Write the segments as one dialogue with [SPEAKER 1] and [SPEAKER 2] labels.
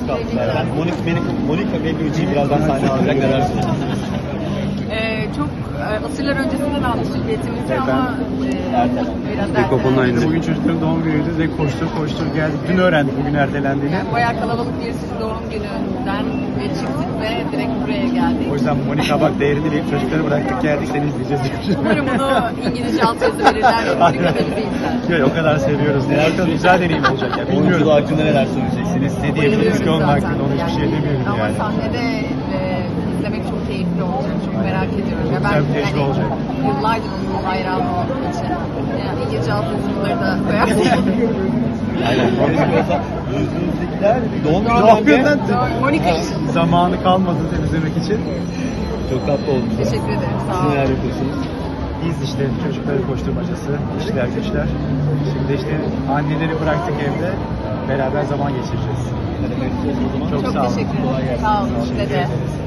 [SPEAKER 1] kaldılar. Monica Bellucci'yi birazdan sahne alacak, neler söyleyeceksiniz?
[SPEAKER 2] Çok asırlar öncesinden almıştık biletimizi ama biraz ertelendi.
[SPEAKER 3] Bugün çocukların doğum günüydü ve koştur geldik. Dün öğrendik bugün ertelendiğini.
[SPEAKER 2] Yani bayağı kalabalık bir doğum gününden ve çıktık ve direkt buraya geldik.
[SPEAKER 3] O yüzden Monica bak değerini bilip çocukları bıraktık geldik seni izleyeceğiz diye.
[SPEAKER 2] Umarım bunu İngilizce altyazı verirler ve Monica da bizi izler.
[SPEAKER 3] Yok, o kadar seviyoruz. Bakalım güzel deneyim olacak ya.
[SPEAKER 1] Oyunculuğu
[SPEAKER 3] Bilmiyorum.
[SPEAKER 1] hakkında neler söyleyeceksiniz? Ne diyebiliriz?
[SPEAKER 3] Bayılıyoruz
[SPEAKER 1] ki
[SPEAKER 3] onun
[SPEAKER 2] Zaten
[SPEAKER 3] hakkında, onu hiçbir şey demiyorum
[SPEAKER 2] ama
[SPEAKER 3] yani.
[SPEAKER 2] sahnede izlemek çok keyifli olacak. Çok merak ediyorum.
[SPEAKER 3] Çok güzel bir tecrübe olacak.
[SPEAKER 2] Yıllardır onun hayranı olduğum için. Yani İngilizce altyazıları da koyarsın.
[SPEAKER 1] Aynen. Gözünüzdekiler doğum
[SPEAKER 3] Doğum
[SPEAKER 1] gününden
[SPEAKER 3] günden
[SPEAKER 2] Monica için.
[SPEAKER 3] zamanı kalmadı temizlemek için.
[SPEAKER 1] çok tatlı olmuş.
[SPEAKER 2] Teşekkür ederim. Sağ
[SPEAKER 1] Siz
[SPEAKER 2] olun.
[SPEAKER 1] neler yapıyorsunuz?
[SPEAKER 3] Biz işte çocukların koşturmacası, işler güçler. Şimdi işte anneleri bıraktık evde. Beraber zaman geçireceğiz. Çok
[SPEAKER 2] Çok
[SPEAKER 3] sağ olun.
[SPEAKER 2] teşekkür
[SPEAKER 3] Kolay
[SPEAKER 2] ederim.
[SPEAKER 3] gelsin.
[SPEAKER 2] Sağ olun. Size de.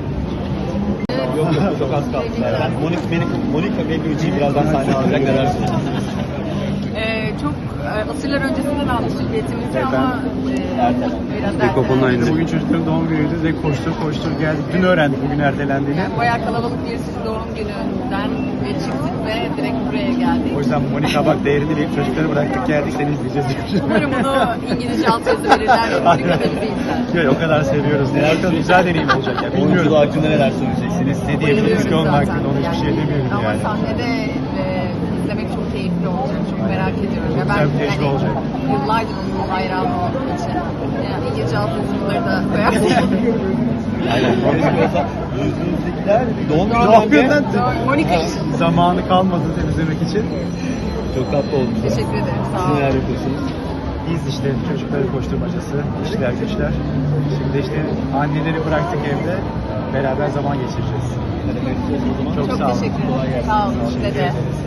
[SPEAKER 1] Yok çok az kaldılar. Monica Bellucci'yi birazdan sahne alacak, neler söyleyeceksiniz?
[SPEAKER 2] Çok asırlar öncesinden almıştık biletimizi
[SPEAKER 3] Evet,
[SPEAKER 2] ama biraz ertelendi.
[SPEAKER 3] Bugün çocukların doğum günüydü ve koştur geldik. Dün öğrendik bugün ertelendiğini.
[SPEAKER 2] Yani bayağı kalabalık bir doğum gününden ve çıktık ve direkt buraya geldik.
[SPEAKER 3] O yüzden Monica bak değerini bilip çocukları bıraktık geldik seni izleyeceğiz diye.
[SPEAKER 2] Umarım bunu İngilizce altyazı verirler ve Monica da bizi izler.
[SPEAKER 3] Yok, o kadar seviyoruz. Bakalım güzel deneyim olacak ya.
[SPEAKER 1] Oyunculuğu
[SPEAKER 3] Bilmiyorum.
[SPEAKER 1] hakkında neler söyleyeceksiniz? Ne diyebiliriz?
[SPEAKER 3] Bayılıyoruz
[SPEAKER 1] ki?
[SPEAKER 3] onun
[SPEAKER 2] Zaten
[SPEAKER 3] hakkında, onu hiçbir şey demiyorum
[SPEAKER 2] ama
[SPEAKER 3] yani.
[SPEAKER 2] sahnede izlemek çok keyifli olacak. Çok merak ediyorum.
[SPEAKER 3] Çok güzel bir tecrübe olacak.
[SPEAKER 2] Yıllardır onun hayranı olduğum için. Yani İngilizce altyazıları da koyarsın.
[SPEAKER 1] Aynen. Gözünüzdekiler doğum
[SPEAKER 3] Doğum
[SPEAKER 1] gününden
[SPEAKER 3] günden
[SPEAKER 2] Monica için.
[SPEAKER 3] zamanı kalmadı temizlemek için.
[SPEAKER 1] çok tatlı olmuş.
[SPEAKER 2] Teşekkür ederim. Sağ
[SPEAKER 1] Siz
[SPEAKER 2] olun.
[SPEAKER 1] neler yapıyorsunuz?
[SPEAKER 3] Biz işte çocukların koşturmacası, işler güçler. Şimdi işte anneleri bıraktık evde. Beraber zaman geçireceğiz.
[SPEAKER 1] O zaman
[SPEAKER 3] Çok
[SPEAKER 2] Çok
[SPEAKER 3] sağ olun.
[SPEAKER 2] teşekkür
[SPEAKER 1] Kolay
[SPEAKER 2] ederim.
[SPEAKER 1] gelsin.
[SPEAKER 2] Sağ olun. Size
[SPEAKER 3] Teşekkür
[SPEAKER 2] de.
[SPEAKER 3] ederiz.